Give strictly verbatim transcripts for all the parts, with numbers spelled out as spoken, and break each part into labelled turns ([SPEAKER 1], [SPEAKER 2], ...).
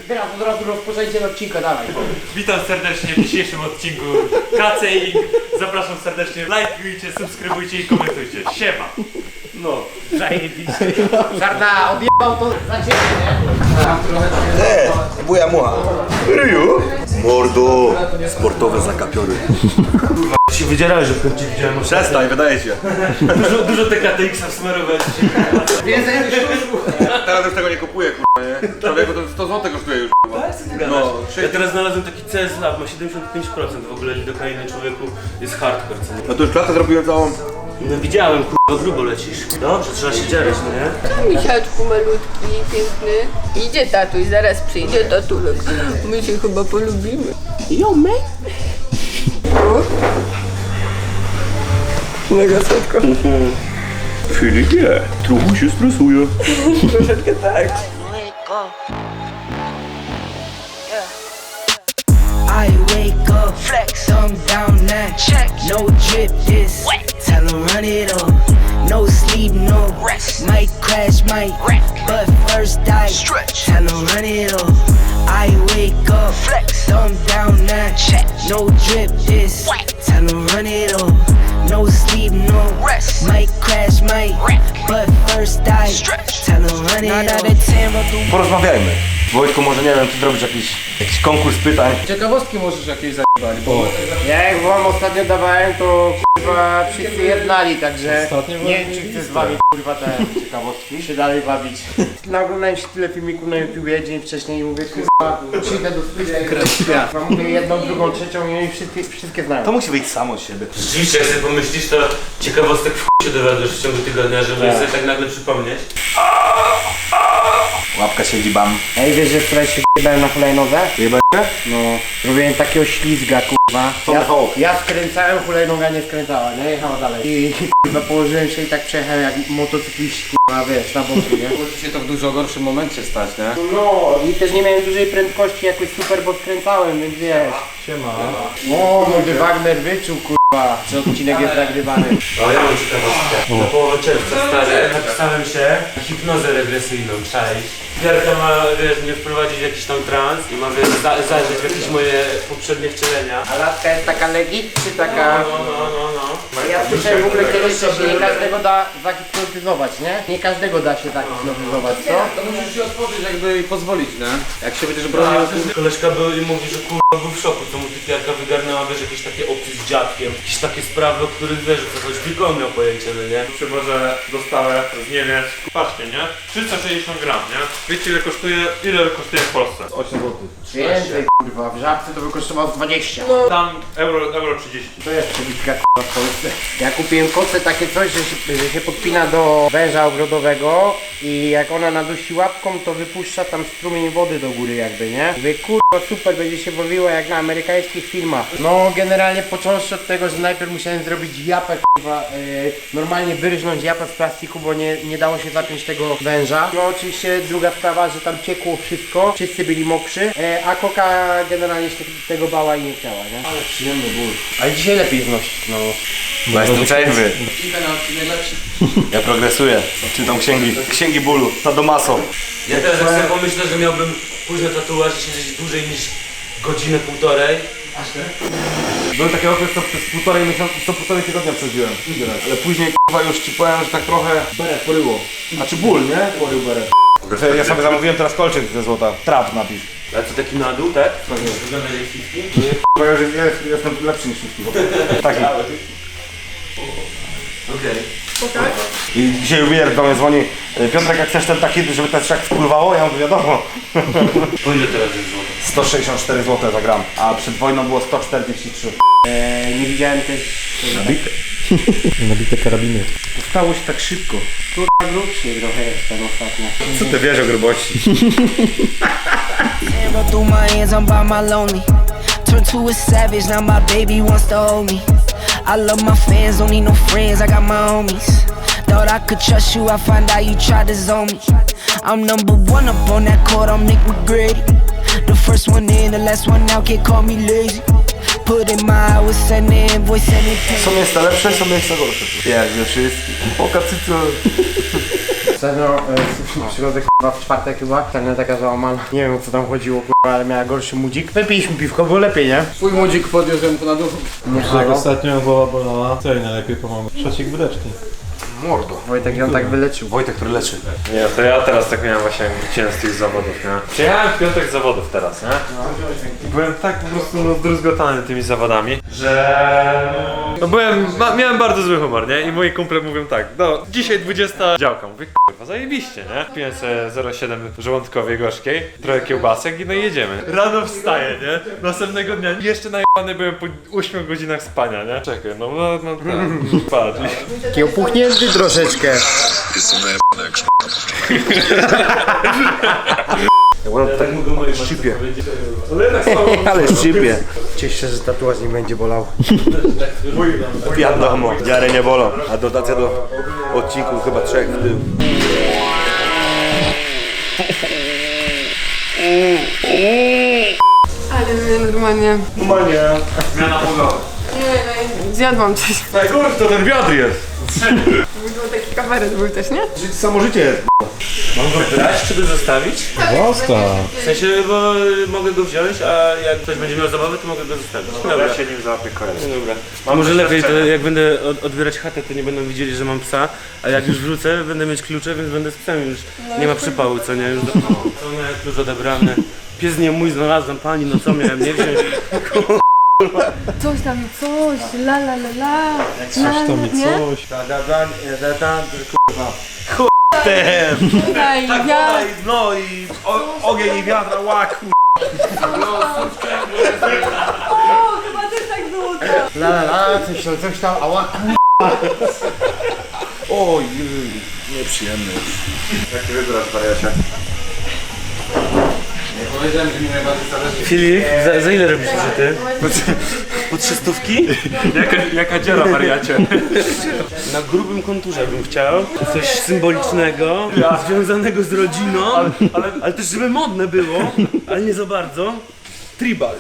[SPEAKER 1] Teraz od razu rozpoczęcie odcinka, dawaj.
[SPEAKER 2] Witam serdecznie w dzisiejszym odcinku K C I. Zapraszam serdecznie, lajkujcie, subskrybujcie i komentujcie. Siema! No, zajebiście.
[SPEAKER 1] Żarda, odjebał to za ciebie, nie?
[SPEAKER 3] E, buja mucha. Ryu? Mordo. Sportowe zakapiory.
[SPEAKER 2] Się wydzierałeś, że w końcu widziałem.
[SPEAKER 3] Przestań, wydaje się.
[SPEAKER 2] Dużo, dużo T K T X-a wsmarowałem dzisiaj.
[SPEAKER 1] Więcej niż
[SPEAKER 3] Teraz już tego nie kupuję, kurwa, nie? Człowieku to sto złotych kosztuje już. No,
[SPEAKER 2] Ja teraz znalazłem taki C S Lab, ma siedemdziesiąt pięć procent w ogóle lidokainy człowieku, jest hardcore, co nie?
[SPEAKER 3] No to już klatę zrobiłem całą.
[SPEAKER 2] No widziałem, kurwa, grubo lecisz. Dobrze, trzeba się dzierać, no nie?
[SPEAKER 4] Misiaczku malutki, piękny. Idzie tatuś, zaraz przyjdzie tatulek. My się chyba polubimy. Yo, man. Mega słodko.
[SPEAKER 3] Filip nie, trochę się stresuje.
[SPEAKER 4] Troszeczkę tak.
[SPEAKER 5] I wake up, flex, thumb down that check. No drip this, tell 'em run it up. No sleep, no rest. Might crash, might wreck, but first I stretch. Tell 'em run it up. I wake up, flex, thumb down that check. No drip this, tell 'em run it up. No sleep, no rest. Might crash, might wreck, but first I stretch. Tell 'em run it up.
[SPEAKER 3] Porozmawiajmy. Wojtku, może nie wiem, czy zrobić jakiś, jakiś konkurs pytań.
[SPEAKER 1] Ciekawostki możesz jakieś zajebać, bo ja jak wam ostatnio dawałem, to kurwa wszyscy jednali, także nie wiem, czy chcę z wami kurwa te ciekawostki się dalej bawić. Naoglądałem się tyle filmików na YouTubie dzień wcześniej i mówię kurwa, przyjdę do studia, mówię jedną, drugą, trzecią i oni wszystkie, wszystkie znają.
[SPEAKER 3] To musi wyjść samo z siebie.
[SPEAKER 2] Rzeczywiście, jak sobie pomyślisz, to ciekawostek w chuj się dowiadujesz w ciągu tygodnia, żeby sobie tak nagle przypomnieć.
[SPEAKER 3] Łapka siedzi bam.
[SPEAKER 1] Ej, wiesz, że wczoraj się jebałem na hulajnodze?
[SPEAKER 3] Jebać?
[SPEAKER 1] No, robiłem takiego ślizga, kurwa. Ja,
[SPEAKER 3] Tomahawk.
[SPEAKER 1] ja skręcałem, hulajnoga nie skręcała, nie? Jechała dalej. I kurwa położyłem się i tak przejechałem jak motocykliści, kurwa, wiesz, na boku, nie?
[SPEAKER 6] Może się to w dużo gorszym momencie stać, nie?
[SPEAKER 1] No, i też nie miałem dużej prędkości jakoś super, bo skręcałem, więc wiesz. Siema. O, mój Wagner wyczuł, kurwa, że odcinek jest nagrywany.
[SPEAKER 2] O, ja mam ciekawostkę. Na połowę czerwca, stary, napisałem się na hipnozę regresyjną, cześć. Gierka ma, wiesz, mnie wprowadzić w jakiś tam trans i ma, wiesz, za, zajrzeć w jakieś moje poprzednie wcielenia.
[SPEAKER 1] A laska jest taka legit, czy taka...
[SPEAKER 2] No, no, no, no.
[SPEAKER 1] Ja słyszałem w ogóle kiedyś, że się nie każdego da zahipnotyzować, nie? Nie każdego da się zahipnotyzować, co?
[SPEAKER 6] To musisz się otworzyć jakby i pozwolić, nie? Jak się będziesz bronił...
[SPEAKER 2] Koleżka był i mówi, że kurwa był w szoku, co mu typiarka wygarnęła, wiesz, jakieś takie opcje z dziadkiem, jakieś takie sprawy, o których wiesz, co choć tylko on miał pojęcie, no nie?
[SPEAKER 7] Chyba, że dostałem z Niemiec, patrzcie, nie? trzysta sześćdziesiąt gram, nie? Wiecie ile kosztuje, ile kosztuje w Polsce?
[SPEAKER 3] osiem złotych.
[SPEAKER 1] Więcej, kurwa, w Żabce to by kosztowało dwadzieścia.
[SPEAKER 7] Tam euro, euro trzydzieści.
[SPEAKER 1] To jest przebitka kurwa w Polsce. Ja kupiłem kotce takie coś, że się, że się podpina do węża ogrodowego i jak ona nadusi łapką, to wypuszcza tam strumień wody do góry jakby, nie? Mówię, kurwa super, będzie się bawiła jak na amerykańskich filmach. No generalnie począwszy od tego, że najpierw musiałem zrobić japę, kurwa, yy, normalnie wyrżnąć japę z plastiku, bo nie, nie dało się zapiąć tego węża. No oczywiście druga sprawa, że tam ciekło wszystko, wszyscy byli mokrzy, yy, a Koka generalnie się tego bała i nie chciała, nie? Ale przyjemny ból. Ale dzisiaj lepiej znosić, no.
[SPEAKER 3] Bo jestem trzeźwy. Ja progresuję. Czytam księgi. Księgi bólu. Sadomaso.
[SPEAKER 2] Ja teraz jak sobie pomyślę, że miałbym pójść na tatuaż i siedzieć dłużej niż godzinę, półtorej.
[SPEAKER 3] Był taki okres, co przez półtorej miesiąca, co półtorej tygodnia przeżyłem. Ale później k***a już ci powiem, że tak trochę beret poryło. Znaczy ból, nie? Porył beret. Ja sobie zamówiłem teraz kolczyk ze złota. Trap napis.
[SPEAKER 2] A co taki na dół, tak? Wygląda jak fifty?
[SPEAKER 3] Bo ja już jest, jest, jestem lepszy niż wszystkich. Taki.
[SPEAKER 2] Okej.
[SPEAKER 3] I dzisiaj jubiler do mnie dzwoni. Piotrek, jak chcesz ten taki, żeby ten szak wpływało? Ja mówię, wiadomo.
[SPEAKER 2] Po ile teraz jest złoto?
[SPEAKER 3] sto sześćdziesiąt cztery złote za gram. A przed wojną było sto czterdzieści trzy.
[SPEAKER 1] Eee, nie widziałem też...
[SPEAKER 3] Nabite.
[SPEAKER 8] Nabite karabiny.
[SPEAKER 1] To stało się tak szybko. Kurwa grubszy trochę jestem ostatnio.
[SPEAKER 3] Co ty wiesz o grubości?
[SPEAKER 5] Run through my hands, I'm by my lonely. Turn to a savage, now my baby wants to hold me. I love my fans, don't need no friends, I got my homies. Thought I could trust you, I find out you tried to zone me. I'm number one up on that court, I'm Nick McGrady. The first one in, the last one out, can't call me lazy. Put in my hours, send the invoice, send it pay.
[SPEAKER 3] Są miejsca lepsze, są miejsca gorsze. Jak ze wszystkich. Oka cycu.
[SPEAKER 1] Ostatnio e, przychodzę k***a w czwartek chyba, ostatnio taka załamana. Nie wiem o co tam chodziło k***a, ale miała gorszy mudzik. Wypiliśmy piwko, było lepiej, nie?
[SPEAKER 6] Twój młodzik podniósł ją na dół.
[SPEAKER 8] Jak ostatnio głowa bolała, co jej najlepiej pomogło? Trzecik wydeczki.
[SPEAKER 3] Mordo.
[SPEAKER 1] Wojtek ją tak wyleczył.
[SPEAKER 3] Wojtek, który leczy.
[SPEAKER 7] Nie, to ja teraz tak miałem właśnie, jak wróciłem z tych zawodów, nie? Przyjechałem w piątek z zawodów teraz, nie? I byłem tak po prostu no, zdruzgotany tymi zawodami, że... No byłem, ma, miałem bardzo zły humor, nie? I moi kumple mówią tak, no dzisiaj dwudziesta działka. Mówię, kurwa, zajebiście, nie? Piję sobie zero przecinek siedem żołądkowej gorzkiej, trochę kiełbasek i no i jedziemy. Rano wstaję, nie? Następnego dnia jeszcze najebany byłem po ośmiu godzinach spania, nie? Czekaj, no, no, no, tak, patrz.
[SPEAKER 1] Taki opuchnięty troszeczkę.
[SPEAKER 3] Tak szczypie.
[SPEAKER 1] Ale szczypie. Cieszę się, że tatuaż nie będzie bolał.
[SPEAKER 3] Wiadomo, dziary nie bolą, a dotacja do odcinku chyba trzech w tył.
[SPEAKER 4] Ale mnie normalnie...
[SPEAKER 3] Normalnie.
[SPEAKER 7] Zmiana pogody.
[SPEAKER 4] Nie, no, zjadłam coś.
[SPEAKER 3] Najgorszy to ten wiatr jest.
[SPEAKER 4] Był taki kabaret był też, nie?
[SPEAKER 3] Samo życie jest.
[SPEAKER 2] Mam go brać, czy by zostawić?
[SPEAKER 8] Boska.
[SPEAKER 2] W sensie, bo mogę go wziąć, a jak ktoś będzie miał zabawę, to mogę go zostawić. Dobra.
[SPEAKER 7] się nim zaopiekuję.
[SPEAKER 2] Dobra. A może lepiej, to jak będę od, odbierać chatę, to nie będą widzieli, że mam psa, a jak już wrócę, będę mieć klucze, więc będę z psem już. Nie ma przypału, co nie? Już do... To miałem klucz odebrany. Pies nie mój, znalazłem pani, no co miałem nie wziąć?
[SPEAKER 4] Coś tam, coś, la la la la.
[SPEAKER 8] Coś tam i coś.
[SPEAKER 3] Da, da, da, da, da, kurwa.
[SPEAKER 4] Ten! Daj, ja...
[SPEAKER 3] No i o, ogień i wiatra, łaku.
[SPEAKER 4] O, chyba też tak było to.
[SPEAKER 1] La la la, coś tam, coś tam, ała.
[SPEAKER 3] Oj, nieprzyjemny. Jak ty wybrasz, wariacie?
[SPEAKER 6] Nie powiedziałem, że mi najbardziej zależy.
[SPEAKER 2] Filip, za, za ile robisz ty? Po trzystówki?
[SPEAKER 3] Jaka, jaka dziura, wariacie?
[SPEAKER 2] Na grubym konturze bym chciał. Coś symbolicznego, związanego z rodziną, ale, ale też żeby modne było, ale nie za bardzo. Tribal.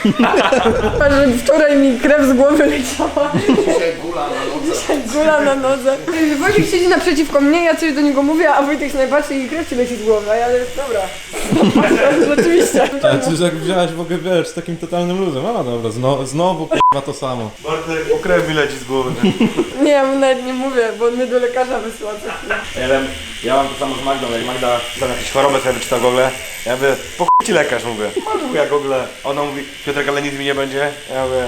[SPEAKER 4] Wczoraj mi krew z głowy leciała. Dzisiaj gula na nodze. Dzisiaj gula na nodze. Wojtek siedzi naprzeciwko mnie, ja coś do niego mówię, a Wojtek się najpatrzy i krew ci leci z głowy, a ja ale dobra. Rzeczywiście.
[SPEAKER 8] Ale ty już jak wziąłeś w ogóle, wiesz, z takim totalnym luzem. A dobra, zno, znowu k***a to samo.
[SPEAKER 3] Bartek, o krew mi leci z głowy.
[SPEAKER 4] Nie, ja mu nawet nie mówię, bo on mnie do lekarza wysłał.
[SPEAKER 3] Ja wiem, ja mam to samo z Magdą, jak Magda tam jakieś choroby sobie wyczytał w ogóle. Ja mówię, po chuj ci lekarz, mówię. Mam jak w ogóle. Ona mówi, Piotrek, ale nic mi nie będzie. Ja mówię,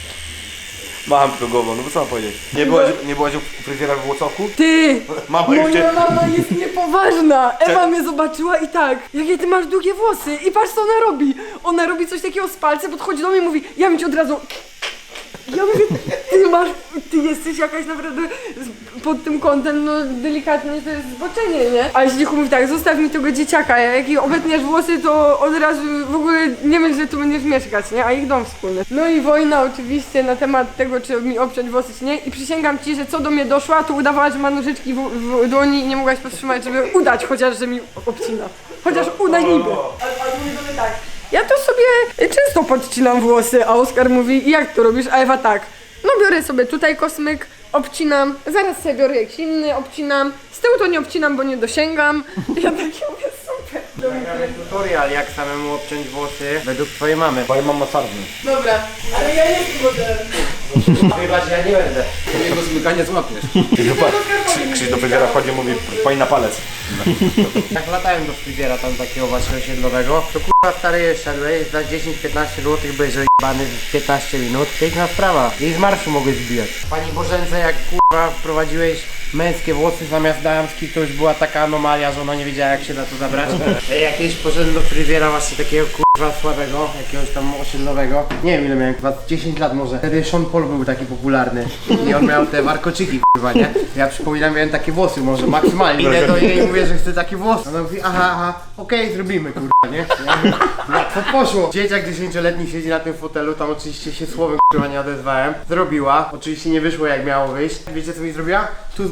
[SPEAKER 3] mam tylko głową, no bo co mam powiedzieć? Nie byłaś, nie byłaś u fryzjera w Włocławku?
[SPEAKER 4] Ty!
[SPEAKER 3] Mama już cię...
[SPEAKER 4] Moja mama jest niepoważna! Ewa mnie zobaczyła i tak, jakie ty masz długie włosy i patrz co ona robi! Ona robi coś takiego z palcem, podchodzi do mnie i mówi, ja bym ci od razu... Ja mówię, ty masz, ty jesteś jakaś naprawdę z- pod tym kątem, no delikatnie to jest zboczenie, nie? Ale Zdzichu mówi tak, zostaw mi tego dzieciaka, jak jej obetniesz włosy, to od razu w ogóle nie myśl, że tu będziesz mieszkać, nie? A ich dom wspólny. No i wojna oczywiście na temat tego, czy mi obciąć włosy, czy nie. I przysięgam ci, że co do mnie doszła, to udawała, że ma nożyczki w, w dłoni i nie mogłaś powstrzymać, żeby udać chociaż, że mi obcina. Chociaż udaj niby. Ale, ale mówi do mnie tak. Ja to sobie często podcinam włosy, a Oskar mówi, jak to robisz? A Ewa tak, no biorę sobie tutaj kosmyk, obcinam, zaraz sobie biorę jakiś inny, obcinam, z tyłu to nie obcinam, bo nie dosięgam. Ja takie mówię, super.
[SPEAKER 1] Nagramy tutorial, jak samemu obciąć włosy według twojej mamy.
[SPEAKER 3] Twoja mama czarny.
[SPEAKER 4] Dobra, ale ja jestem modelem.
[SPEAKER 1] Chyba, że ja nie będę.
[SPEAKER 6] Jego zmykanie złapiesz.
[SPEAKER 3] Krzyś do fryzjera wchodzi, mówi, pani na palec.
[SPEAKER 1] Jak latałem do fryzjera tam takiego właśnie osiedlowego, to kurwa stary szedłeś, za dziesięć piętnaście złotych byłeś ojebany w piętnaście minut. Piękna sprawa. I z marszu mogłeś zbijać. Pani Bożence, jak kurwa wprowadziłeś męskie włosy zamiast damskich, to już była taka anomalia, że ona nie wiedziała jak się na to zabrać. Ja kiedyś poszedłem do fryzjera właśnie takiego kurwa słabego, jakiegoś tam osiedlowego. Nie wiem ile miałem, chyba dziesięć lat może. Wtedy Sean Paul był taki popularny. I on miał te warkoczyki kurwa, nie? Ja przypominam, miałem takie włosy może maksymalnie. Idę do niej i mówię, że chcę taki włos. Ona mówi, aha, aha, okej, okay, zrobimy kurwa, nie? Ja mówię, łatwo poszło. Dzieciak dziesięcioletni siedzi na tym fotelu, tam oczywiście się słowem kurwa nie odezwałem. Zrobiła, oczywiście nie wyszło jak miało wyjść. Wiecie co mi zrobiła? Tu z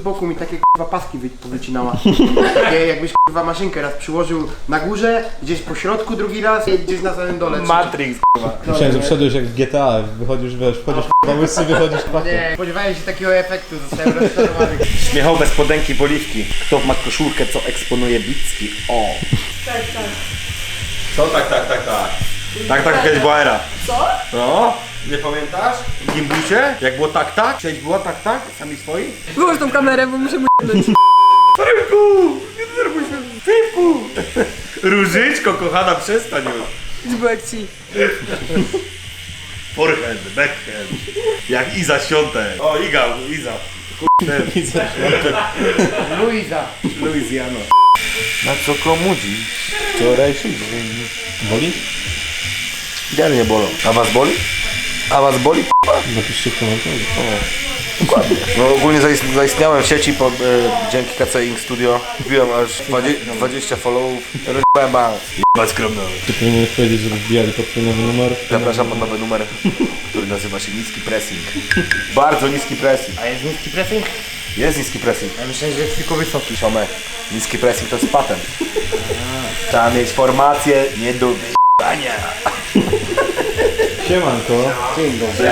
[SPEAKER 1] boku mi takie kurwa paski wy- powycinała. Takie jakbyś kurwa maszynkę raz przyłożył na górze, gdzieś po środku drugi raz i gdzieś na samym dole.
[SPEAKER 3] Matrix.
[SPEAKER 8] Myślałem, że wszedłeś jak w G T A, wychodzisz, wiesz, wchodzisz k***a łysy, wychodzisz k***a.
[SPEAKER 1] Nie, spodziewałem się takiego efektu, zostałem rozczarowany.
[SPEAKER 3] Śmiechowe spodenki poliwki. Kto ma koszulkę, co eksponuje bicki? O.
[SPEAKER 4] Tak, tak.
[SPEAKER 3] Co? Tak, tak, tak, tak. Tak, tak, kiedyś była era.
[SPEAKER 4] Co?
[SPEAKER 3] No? Nie pamiętasz? W Gimbusie? Jak było tak, tak? Kiedyś było tak, tak? Sami swoi?
[SPEAKER 4] Wyłącz tą kamerę, bo muszę mu jebnąć.
[SPEAKER 3] Rynku! Nie denerwuj się! Typu! Różyczko, kochana, przestań już.
[SPEAKER 4] Zbyłek ci.
[SPEAKER 3] Forehand, backhand. Jak Iza Świątek. O, Iga, Iza. Kurde.
[SPEAKER 1] Luiza.
[SPEAKER 3] Luizjano. Na co komu dziś? Wczorajszy dzień.
[SPEAKER 8] Boli?
[SPEAKER 3] Gdzie mnie bolą? A was boli? A was boli?
[SPEAKER 8] Napiszcie w komentarzu.
[SPEAKER 3] Dokładnie. No ogólnie zaist- zaistniałem w sieci po, e, dzięki K C Ink Studio. Wbiłem aż dwadzieścia, dwadzieścia followów. Rozjebałem bank. Jebać skromno.
[SPEAKER 8] Ty powinieneś powiedzieć, żeby wbijali pod twój nowy numer.
[SPEAKER 3] Zapraszam pod nowy numer, który nazywa się Niski Pressing. Bardzo niski pressing.
[SPEAKER 1] A jest niski pressing?
[SPEAKER 3] Jest niski pressing.
[SPEAKER 1] Ja myślałem, że jest tylko wysoki.
[SPEAKER 3] Siomek, niski pressing to jest patent. Trzeba mieć formację nie do wyjebania.
[SPEAKER 8] Siemanko.
[SPEAKER 1] Dzień dobry.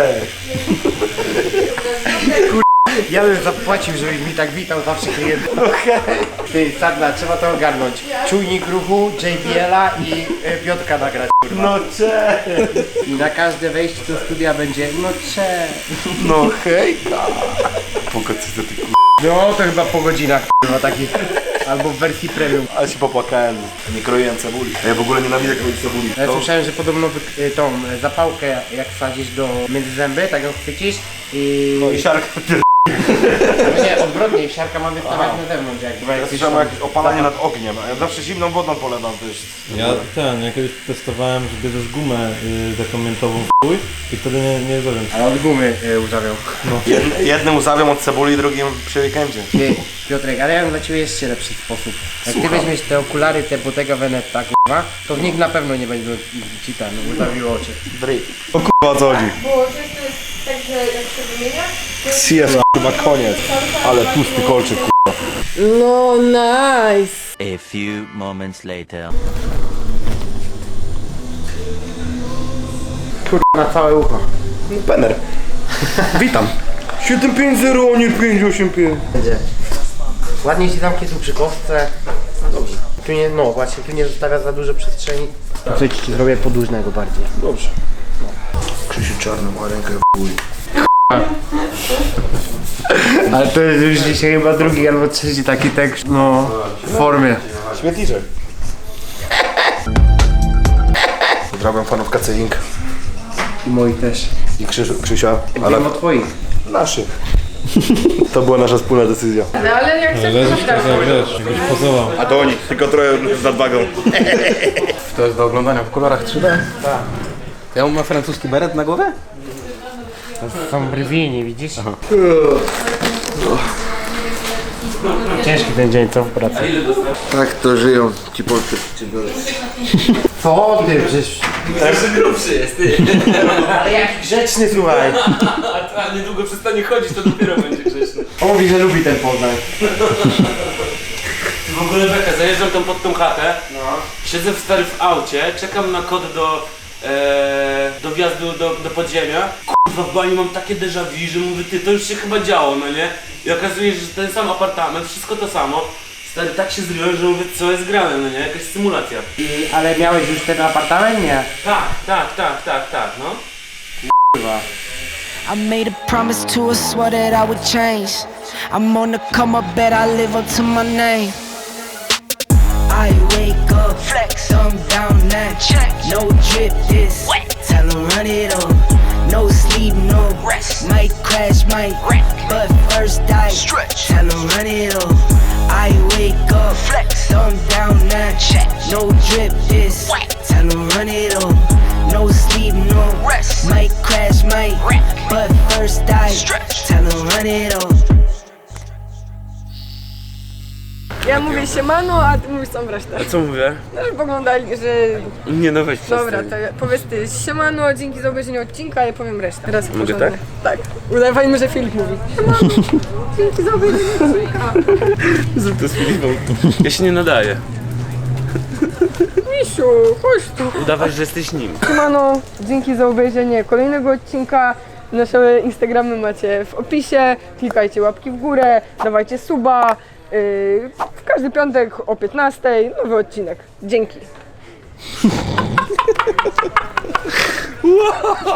[SPEAKER 1] Ja bym zapłacił, żebyś mi tak witał zawsze klientów. Ty, Sadla, trzeba to ogarnąć. Czujnik ruchu, J B L-a i y, Piotrka nagrać, kurwa.
[SPEAKER 3] No cześć.
[SPEAKER 1] I na każde wejście do studia będzie, no cześć.
[SPEAKER 3] No hejka. Pokaż co ty k***.
[SPEAKER 1] No to chyba po godzinach, kurwa, takich. Albo w wersji premium.
[SPEAKER 3] Ale się popłakałem. Nie kroiłem cebuli. Ja w ogóle nienawidzę kroić cebuli.
[SPEAKER 1] Ja
[SPEAKER 3] To-
[SPEAKER 1] słyszałem, że podobno wy- y, tą y, zapałkę jak wsadzisz do między zęby, tak ją chwycisz i...
[SPEAKER 3] No i siarka.
[SPEAKER 1] No nie, odwrotnie, siarka ma wystawać na zewnątrz, jak chyba
[SPEAKER 3] Ja
[SPEAKER 1] jakieś
[SPEAKER 3] słyszałem
[SPEAKER 1] tam-
[SPEAKER 3] jakieś opalanie nad ogniem, a ja zawsze zimną wodą polewam też.
[SPEAKER 8] Ja ten, ja kiedyś testowałem, że bierzesz gumę y, taką miętową w chuj i wtedy nie, nie żarłem.
[SPEAKER 1] Ale od gumy y, uzawiał.
[SPEAKER 3] Jed, jednym uzawiam od cebuli, drugim przy weekendzie.
[SPEAKER 1] Ty, Piotrek, ale ja mam dla ciebie jeszcze lepszy sposób. Jak ty weźmiesz te okulary, te Bottega Veneta, kurwa, to w nich na pewno nie będzie ci ten uzawiło oczy.
[SPEAKER 3] Drip. O kurwa, o co chodzi?
[SPEAKER 9] Bo często jest tak, że jak się wymienia, to
[SPEAKER 3] Jest chyba koniec. Ale tłusty kolczyk, kurwa.
[SPEAKER 4] No, nice.
[SPEAKER 10] A few moments later.
[SPEAKER 1] Kurwa, na całe ucho.
[SPEAKER 3] Penner.
[SPEAKER 1] Witam.
[SPEAKER 3] siedem pięć zero, a nie pięć osiem pięć.
[SPEAKER 1] Będzie. Ładnie ci zamknie tu przy kostce. Dobrze. Tu nie, no właśnie, tu nie zostawia za dużo przestrzeni. Co ci zrobię podłużnego bardziej.
[SPEAKER 3] Dobrze. Krzysiu Czarny ma rękę w chuj.
[SPEAKER 1] Ale to jest już dzisiaj chyba drugi albo trzeci taki tekst, no, w formie.
[SPEAKER 3] Śmietniczek. Pozdrawiam fanów K C Ink
[SPEAKER 1] I moi też.
[SPEAKER 3] i Krzysiu, Krzysia, ale
[SPEAKER 1] Wiem o twoich.
[SPEAKER 3] naszych. To była nasza wspólna decyzja.
[SPEAKER 4] No ale jak chcesz,
[SPEAKER 8] Leżysz
[SPEAKER 4] to
[SPEAKER 8] tak jak wiesz, jakbyś pozował.
[SPEAKER 3] A to oni, tylko trochę z nadwagą.
[SPEAKER 6] To jest do oglądania w kolorach trzy D? Tak. Ja mam francuski beret na głowie?
[SPEAKER 1] Są brwi, nie widzisz? Ciężki ten dzień, co w pracy?
[SPEAKER 3] Tak to żyją ci polscy przedsiębiorcy.
[SPEAKER 1] Co ty, przecież...
[SPEAKER 2] Jeszcze grubszy jest, ty.
[SPEAKER 1] Ale jaki grzeczny, słuchaj.
[SPEAKER 2] A niedługo przestanie chodzić, to dopiero będzie grzeczny.
[SPEAKER 1] On mówi, że lubi ten Poznań.
[SPEAKER 2] W ogóle beka, zajeżdżam tam pod tą chatę, siedzę w stary w aucie, czekam na kod do, e, do wjazdu do, do podziemia. Kurwa, w bani mam takie déjà vu, że mówię, ty, to już się chyba działo, no nie? I okazuje się, że ten sam apartament, wszystko to samo. Stary, tak się zryłem, że mówię, co jest grane, no nie? Jakaś symulacja.
[SPEAKER 1] I, ale miałeś już ten apartament? Nie.
[SPEAKER 2] Tak, tak, tak, tak, tak, no.
[SPEAKER 5] I made a promise to her, swore that I would change. I'm on the come up, bet I live up to my name. I wake up, flex, thumb down now. Check, no drip this. Tell 'em run it up. No sleep, no rest. Might crash, might wreck, but first I stretch. Tell 'em run it up. I wake up, flex, thumb down now. Check, no drip this. Tell 'em run it up. No sleep, no rest. Might crash, might wreck, but first I stretch. Tell 'em run it up.
[SPEAKER 4] Ja mówię siemano, a ty mówisz całą resztę.
[SPEAKER 2] Co mówię?
[SPEAKER 4] No, że poglądali, że...
[SPEAKER 2] Nie no weź
[SPEAKER 4] Dobra,
[SPEAKER 2] przestań.
[SPEAKER 4] to powiedz ty siemano, dzięki za obejrzenie odcinka, a ja powiem resztę. Teraz
[SPEAKER 2] Mogę
[SPEAKER 4] porządnie. Tak? Udawajmy, że Filip mówi. Siemano, dzięki za obejrzenie odcinka.
[SPEAKER 2] Zrób to z Filipą. Ja się nie nadaję.
[SPEAKER 4] Misiu, chodź tu.
[SPEAKER 2] Udawaj, że jesteś nim.
[SPEAKER 4] Siemano, dzięki za obejrzenie kolejnego odcinka. Nasze Instagramy macie w opisie. Klikajcie łapki w górę, dawajcie suba. Yy, w każdy piątek o piętnastej nowy odcinek. Dzięki.